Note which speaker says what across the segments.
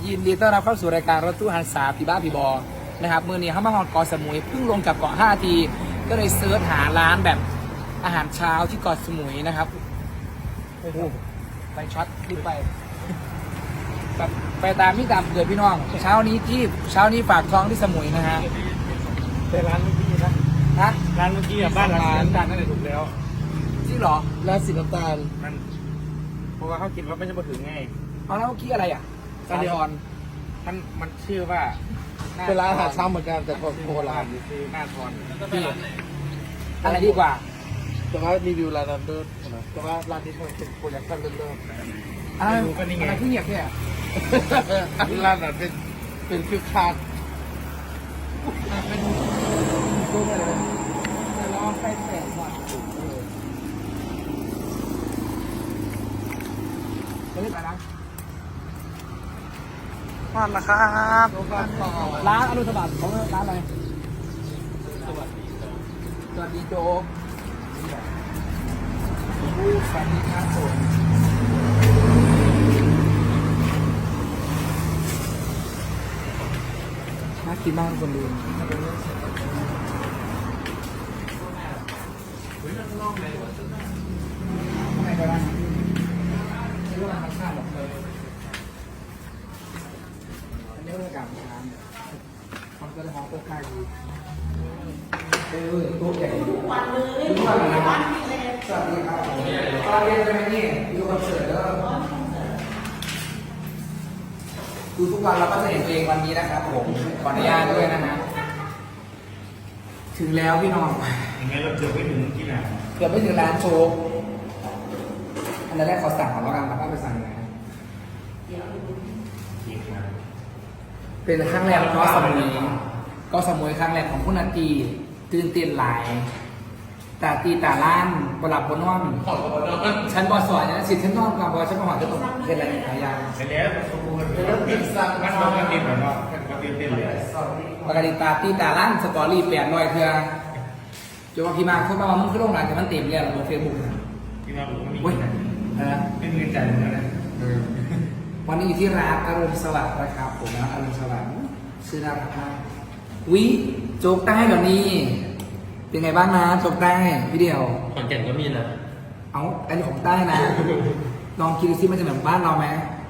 Speaker 1: ยินดีต้อนรับเข้าสู่รายการรถตู้หันษาพี่บ้าพี่บอนะครับมือนี้เขามาฮอดเกาะสมุยเพิ่งลงจากเกาะ5 ทีก็เลยเซิร์ชหาร้านแบบอาหารเช้าที่เกาะสมุยนะครับโอ้โหไปช็อตรีบไปแบบไปตามที่ตามเกิดพี่น้องเช้านี้ฝากท้องที่สมุยนะฮะ
Speaker 2: แต่ร้านเมื่อกี้นะ
Speaker 1: ฮะ
Speaker 2: ร้านเมื่อกี้อะบ้านร้านน้ำตาลนั่นแหละถูกแล้ว
Speaker 1: จริงเหรอ
Speaker 2: ร้านสีน้ำตาลมันเพราะว่าเขากินว่าไม่ใช่มาถึงไง
Speaker 1: เอาแล้วเมื่อกี้อะไรอ่ะสาธร
Speaker 2: มันชื่อว่า
Speaker 3: เป็นร้านอาหารเช้าเหมือนกันแต่โบราณ
Speaker 2: คือหน้าทอน
Speaker 1: พี่อะไรดีกว่า
Speaker 3: แต่ว่ารีวิวร้านนั้นด้วยนะแต่ว่าร้านนี้มันเป็นโปรดักชั่นเริ่ม
Speaker 1: อะไรอะไรที่เหยียบเนี่ย
Speaker 3: ๆร้านนั้นเป็นคือคาด
Speaker 1: ดูไปเลยจะลองไปแตะก่อนจะเรียกอะไรนะ
Speaker 2: มาแล้วครับ
Speaker 1: ร้านอรุณสวัสดิ์ของร้านอะไรสวัสดีโจ๊กสวัสดีครับผมน่ากินมากคนดูไม่ก็ได้ไม่รู้ว่าทำชาติหรอกเลยอันนี้เรื่องการทานมันก็จะหอมตัวข้าวดีตัวใหญ่ทุกวันเลยทุกวันเลยนะสวัสดีครับตอนเรียนใช่ไหมนี่ดูคอนเสิร์ตแล้วดูทุกวันเราก็จะเห็นตัวเองวันนี้นะครับผมขออนุญาตด้วยนะฮะถึงแล้วพี่น้อง
Speaker 2: อย่างไงเราเจอไม่ถึงที่ไหน
Speaker 1: เกือบไม่ถึงร้านโชว์อันแรกเขาสั่งของเรากันแล้วก็ไปสั่งนะเป็นครั้งแรกก็สมุยครั้งแรกของคุณนาตีตื่นเต้นหลายตาตีตาล้านบหลับบนนอนฉันบอสอนนะสิฉันนอนกับบอฉันมาหอจะตกเป็นอะไรหลายอย่าง
Speaker 2: ไปแล้วสมบูรณ์มันต้องกันดิบเหรอเนาะมันเต้นเลย
Speaker 1: ปกติตาตีตาล้านสตอรี่800เทื่อจนว่าพี่มาเขาบอกว่ามึงขึ้นโรงงานแต่มันเต็มเลยบนเฟซบุ๊กนะ
Speaker 2: ที่เราบอกว่ามี
Speaker 1: เว้ยนะ
Speaker 2: ไม่มีใจเหมือนกันนะ
Speaker 1: วันนี้อยู่ที่ร้านอรุณสวัสดิ์นะครับผมนะอรุณสวัสดิ์ชื่อน่ารักมากวิโจ๊กใต้แบบนี้ เป็นไงบ้างนะโจ๊กใต้พี่เดียว
Speaker 4: ขอนแก่นก็มีนะ
Speaker 1: เอาอันนี้ของใต้นะ ลองคิดดูซิมันจะเหมือนบ้านเราไหม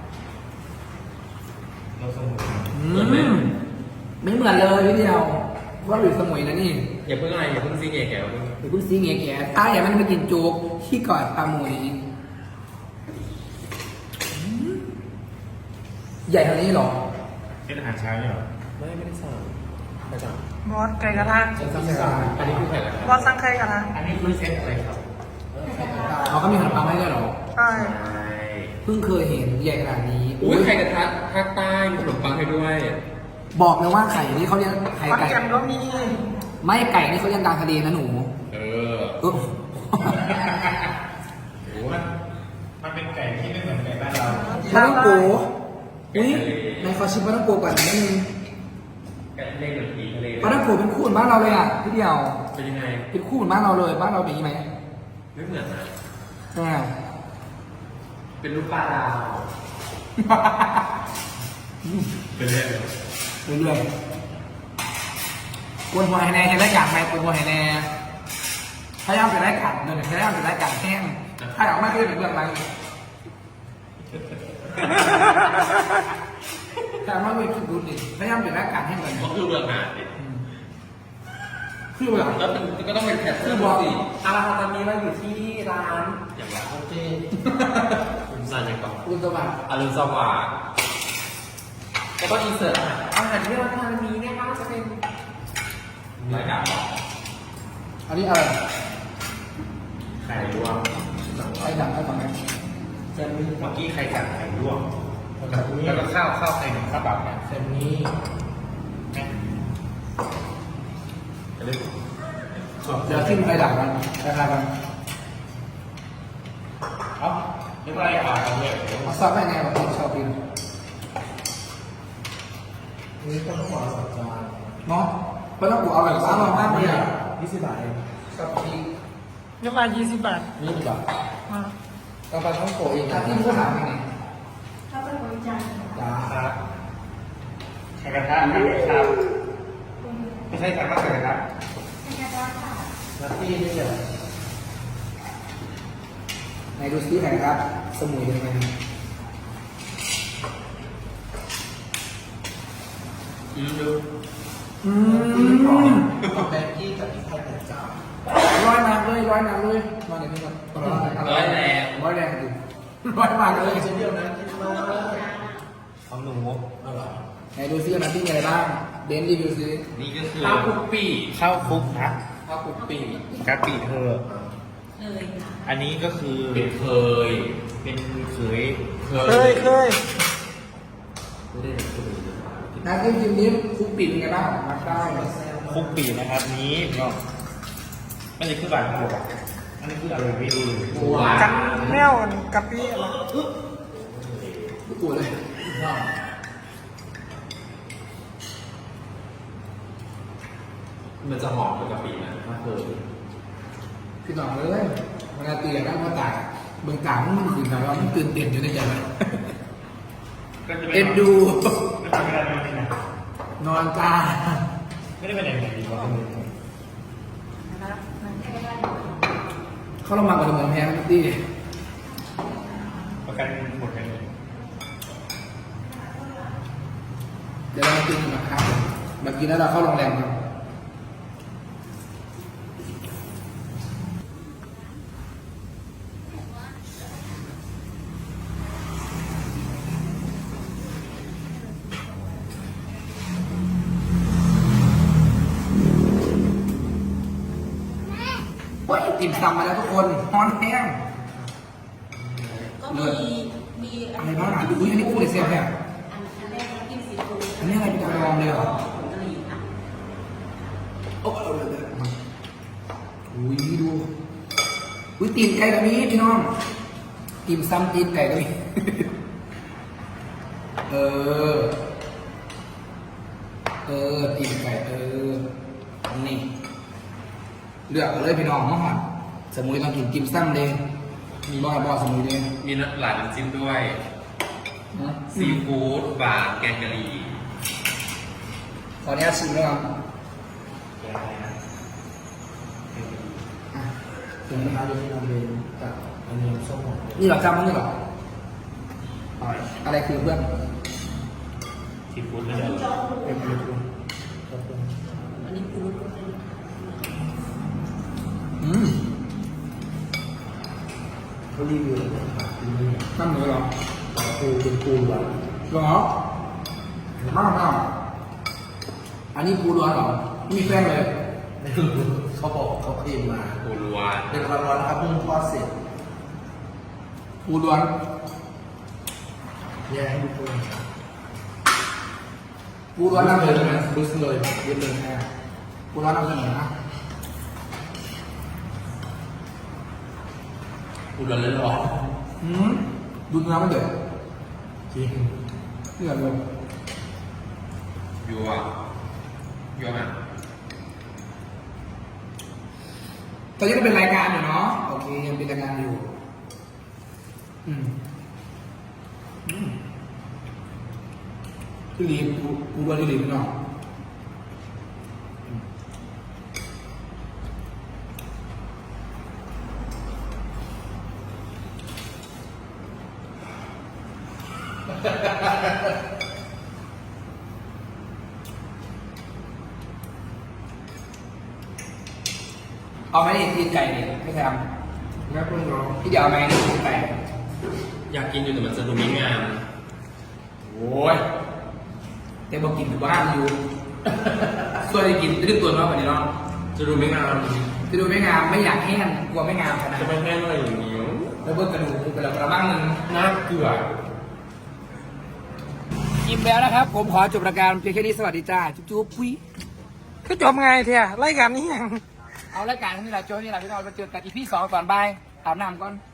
Speaker 2: เราสมุน
Speaker 1: ไม่เหมือนเลยพี่เดียวเพราะว่าอยู่สมุยนะนี่
Speaker 4: อย่าเพิ่งอะไรอย่าเพิ่งซีเงี้ยแกว
Speaker 1: หรือเพิ่งซีเงี้ยแก่ใต้อย่ามันมากินโจ๊กที่เกาะปลาหมวยใหญ่เท่านี้เหรอ
Speaker 2: เป็นอาหารเช้าเนี่ยหรอ
Speaker 4: ไม่ได้สั่งไม่สั่ง
Speaker 5: บอสไก่กระทะ
Speaker 1: ฉันสั่งสั่ง
Speaker 4: อันนี้คือไข่ละ
Speaker 5: บอสสั่งไก่กระทะ
Speaker 2: อันนี้คือเซตอะไรครับ
Speaker 1: เขาก็มีขนมปังให้ด้วยเหรอ
Speaker 5: ใช่
Speaker 4: ใช่
Speaker 1: เพิ่งเคยเห็นใหญ่ขนาดนี้
Speaker 4: อุ้ยไข่กระทะภาคใต้มีขนมปังให้ด้วย
Speaker 1: บอกเลยว่าไข่นี่เขาเรียกไข่
Speaker 5: ขอน
Speaker 1: ไก่
Speaker 5: แก่นก็มี
Speaker 1: ไม่ไก่นี่เขาเรียกกลางทะเลนะหนู
Speaker 4: เออ
Speaker 1: เออ
Speaker 4: โอ้
Speaker 2: มันเป็นไก่ที่ไม่เหมือนไก่บ้านเรา
Speaker 1: ปลาต้องโกอุ้ยในขอชิมปลาต้องโกก่อนนิดนึง
Speaker 4: ไก่ทะเลกับผีทะเล
Speaker 1: ปลาต้องโกเป็นคู่เหมือนบ้านเราเลยอ่ะพี่เดียว
Speaker 4: เป็นยังไง
Speaker 1: เป็นคู่เหมือนบ้านเราเลยบ้านเราเป็นอย่างนี้ไหม
Speaker 4: ไม่เหมือนนะ
Speaker 1: ใช่ไหม
Speaker 4: เป็นลูกปลาดาว เป็นเรื่อง
Speaker 1: เรื่อยๆกวนหัวไฮแน่เห็นแล้วอยากไหมกวนหัวไฮแน่พยายามจะได้กัดเดินพยายามจะได้กัดแห้งถ้าอยากไม่ก็จะเป็นเรื่องอะไรแต่ว่าไม่คิดดูดิพยายามจะได้กัดแห้งเลย
Speaker 4: ก็คือเรื่องงานดิ
Speaker 1: คือแบบ
Speaker 4: แล้วก็ต้องเป็นแคป
Speaker 1: คือบอกสิ
Speaker 4: อาราตอนนี้เราอยู่ที่ร้านอย่างไรโอเคคุณซันยังก่อน
Speaker 1: คุณสวัสดิ์
Speaker 4: อรุณสวัสดิ์ก็ต้องอินเสิร์ตอาหารที่เราทานนี้นะคะจะเป็นรายการบอก
Speaker 1: อันนี้อะไร
Speaker 2: ไข่ลวก
Speaker 1: ไอ้ดังไอ้ฝั่งนี้
Speaker 2: เมื่อกี้ไข่กัดไข่ลวกแล้วก็ข้าวไข่หนึ่งข้าวเปล่าเนี่ย
Speaker 1: เส้นนี้
Speaker 2: จะได้
Speaker 1: เดี๋ยวทิ้งไอ้ดังกันราคากัน
Speaker 2: เอ้าไม่เป็นไรกันเลย
Speaker 1: เอาซอสไปไงแบบที่ชอบกิน
Speaker 3: นี่ก็ต้องบอกสัจจาน
Speaker 1: เนาะเพราะต้องกูเอาแบบร้านเรามากเลยอ่ะ
Speaker 3: 20 บาทเอง
Speaker 1: ชอบกิน
Speaker 5: ยกมา20 บาท
Speaker 3: 20 บาท
Speaker 5: มา
Speaker 3: กาแฟช่องโกเอง
Speaker 1: ถ้าที่ผู้ถามยังไง
Speaker 5: ถ้าเป็นบริจาค
Speaker 1: จ้า
Speaker 2: ครับไข่กระทะครับไม่ใช่สั่งมาไข่กระทะ
Speaker 3: นัตตี้นี่เหรอ
Speaker 1: ไหนดูซิไหนครับ สมุยเป็นยังไง
Speaker 2: ดู
Speaker 3: ของแบงกี้กับพี่ไทยแต่เจ้า
Speaker 1: ร้อยน้ำเลยร้อยน้ำเลยนอนอย่างนี้ก่อน
Speaker 2: ร้อยแรง
Speaker 1: ร้อยแรงดิร้อยมากเลย
Speaker 3: ชิ้นเดียวนะกินมากเลย
Speaker 2: ของหนู
Speaker 1: ไหนดูซิน้ำที่มีอะไรบ้างเบนซ์รีวิวซิ
Speaker 2: นี่ก็คือ
Speaker 4: ข้าวคุกปี
Speaker 2: ข้าวคลุกนะ
Speaker 4: ข้าวคุกปี
Speaker 2: กะปิเธออันนี้ก็คือ
Speaker 4: เป็นเคย
Speaker 2: เป็นเขย
Speaker 5: เคย
Speaker 1: น้ำจิ้มจิ้มนี้คุกปิดเป็นไงบ้างมาได้
Speaker 2: คลุกปีนะครับนี้ก็ไม่ใช่คือบานหัวอันนี้คืออะไรไม่รู้
Speaker 5: กันแนวกะปิอะไร
Speaker 1: ทุกตัวเลย
Speaker 4: มันจะหอมเหมือนกะปินะถ้าเคย
Speaker 1: พี่น้องเลยเวลาตีกันว่าตายเบื้องกลางมันตื่นแต่ว่ามันตื่นเต้นอยู่ในใจมันเอ็นดู
Speaker 2: ไม่เป็นไรไม่เป็นไร
Speaker 1: นอนตา
Speaker 2: ไม่ได้ไปไหนดีกว่า
Speaker 1: เขาลงมากับสมองแพ้ทุกที่
Speaker 2: ประกันหมดกันเลย
Speaker 1: เดี๋ยวเรามากินกันนะครับมากินแล้วเราเข้าโรงแรมครับเฮ้ยติ่มซำมาแล้วทุกคนฮอนแห้ง
Speaker 6: ก็มี
Speaker 1: อะไรบ้างอ่ะอุ้ยอันนี้พูดเลยเสียแพ้
Speaker 6: อันแรกน้ำจิ้มซีฟู้ด
Speaker 1: อันนี้อะไรเป็นกระดองเลยเหรอ
Speaker 6: กะหรี่ค่ะ
Speaker 1: โอ้เอาเลยอุ้ยดูอุ้ยตีนไก่แบบนี้พี่น้องติ่มซำตีนไก่แบบนี้ เออตีนไก่นี่เลือกเอาเลยพี่น้องเนาะสมุยต้องกินติ่มซำเลยมีบ่สมุยเลย
Speaker 4: มีหลายน้ำจิ้มด้วย
Speaker 1: นะ
Speaker 4: ซีฟู้ดบาร์แกงกะหรี่
Speaker 1: ขออนุญาตชิมแล้วครับถึงนะครับเดี๋ยวเราเป็นกับอันนี้ส้มนี่เหรอจำมันนี่เหรออะไรคือเพื่อน
Speaker 2: ซีฟู้ดเลย
Speaker 1: เป็นอะไรคือ
Speaker 6: อันนี้ปู
Speaker 3: เขารีวิวเลยครับ
Speaker 1: ตั้งเหนือเหรอ
Speaker 3: ปูเป็นปูหวาน
Speaker 1: เหรอมากอันนี้ปูร้อนเหรอไม่มีแป้งเลย
Speaker 3: เขาบอกเขาเคลมมา
Speaker 4: ปูรัว
Speaker 3: เป็นร้อนๆนะครับเพิ่งทอดเสร็จ
Speaker 1: ปูร้อน
Speaker 3: แยกให้ดูปู
Speaker 1: ปูร้อนนำเสนอนะรู้สึกเลยเย็นเลยแม่ปูร้อนนำเสนอนะ
Speaker 4: ปูรัวเลยหรอ
Speaker 1: ดูเนื้อมันเดือด
Speaker 3: จริง
Speaker 1: เดือดเลย
Speaker 4: ยัวอ่ะ
Speaker 1: ตอนนี้ก็เป็นรายการอยู่เนาะโอเคยังเป็นรายการอยู่ที่รีบปูร้อนที่รีบเนาะเอาไหมนี่ตีนไก่เนี่ยไม่ทำ
Speaker 3: แล้วเพิ่งร้อง
Speaker 1: พี่เดี๋ยวเอาไหมนี่ตีนไก่
Speaker 4: อยากกินอยู่แต่มันจะดูไม่งาม
Speaker 1: โอ้ยแต่บอกกินอยู่บ้านอยู่ ส่วนจะกินตื้นตัวมากกว่านี้เนาะ
Speaker 4: จะดูไม่งาม
Speaker 1: จะดูไม่งามไม่อยากแห้งกลัวไม่งามขนาด
Speaker 4: จะ
Speaker 1: นั้น
Speaker 4: ไม่แห้งเลยอย่างนี้
Speaker 1: แล้วเบิกกระดูกไปแล้วกระมังหนึ่ง
Speaker 4: น่าเกลือ
Speaker 1: กินแล้วนะครับ ผมขอจบรายการเพียงแค่นี้สวัสดีจ้าจุ๊บปุ้ย
Speaker 5: คือจบไงเทียรายการนี้ยัง
Speaker 1: เอารายการนี้แหละโจ้นี่แหละพี่น้องไปเจอกันอีพี2ก่อนบายอาบน้ำก่อน